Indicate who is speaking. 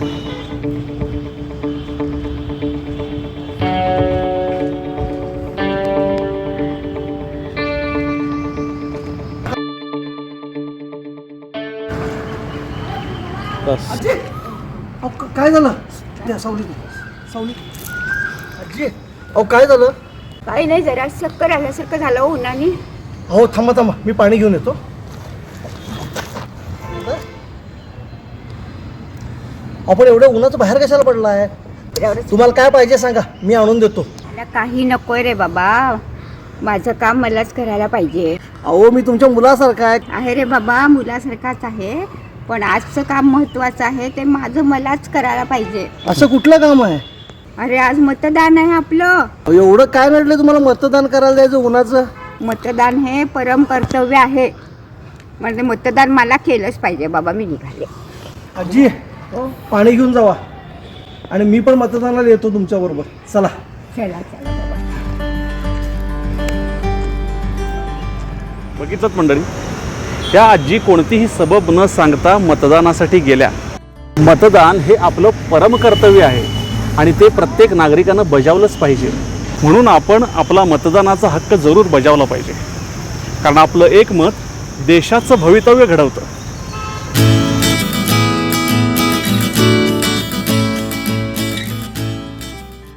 Speaker 1: आजी काय झालं? द्या सावली सावली. आजी अहो काय झालं?
Speaker 2: काही नाही, जरा चक्कर आल्यासारखं झालं उन्हाने.
Speaker 1: हो थांबा थांबा, मी पाणी घेऊन येतो. आपण एवढ्या उन्हाचं बाहेर कशाला पडला आहे? तुम्हाला काय पाहिजे सांगा, मी आणून देतो.
Speaker 2: मला काही नकोय रे बाबा, माझं काम मलाच करायला पाहिजे.
Speaker 1: अहो मी तुमच्या मुलासारखा
Speaker 2: आहे रे बाबा, मुलासारखाच आहे, पण आजचं काम महत्वाचं आहे, ते माझं मलाच करायला पाहिजे.
Speaker 1: असं कुठलं काम आहे?
Speaker 2: अरे आज मतदान आहे आपलं.
Speaker 1: एवढं काय नडलं तुम्हाला मतदान करायला द्यायचं उन्हाचं?
Speaker 2: मतदान हे परम कर्तव्य आहे, म्हणजे मतदान मला केलंच पाहिजे बाबा. मी निघाले.
Speaker 1: आजी पाणी घेऊन जावा, आणि मी पण मतदानाला येतो तुमच्या बरोबर. चला
Speaker 2: चला चला बाबा.
Speaker 3: बघितलं मंडळी, त्या आजी कोणतीही सबब न सांगता मतदानासाठी गेल्या. मतदान हे आपलं परमकर्तव्य आहे आणि ते प्रत्येक नागरिकानं बजावलंच पाहिजे. म्हणून आपण आपला मतदानाचा हक्क जरूर बजावला पाहिजे, कारण आपलं एक मत देशाचं भवितव्य घडवतं.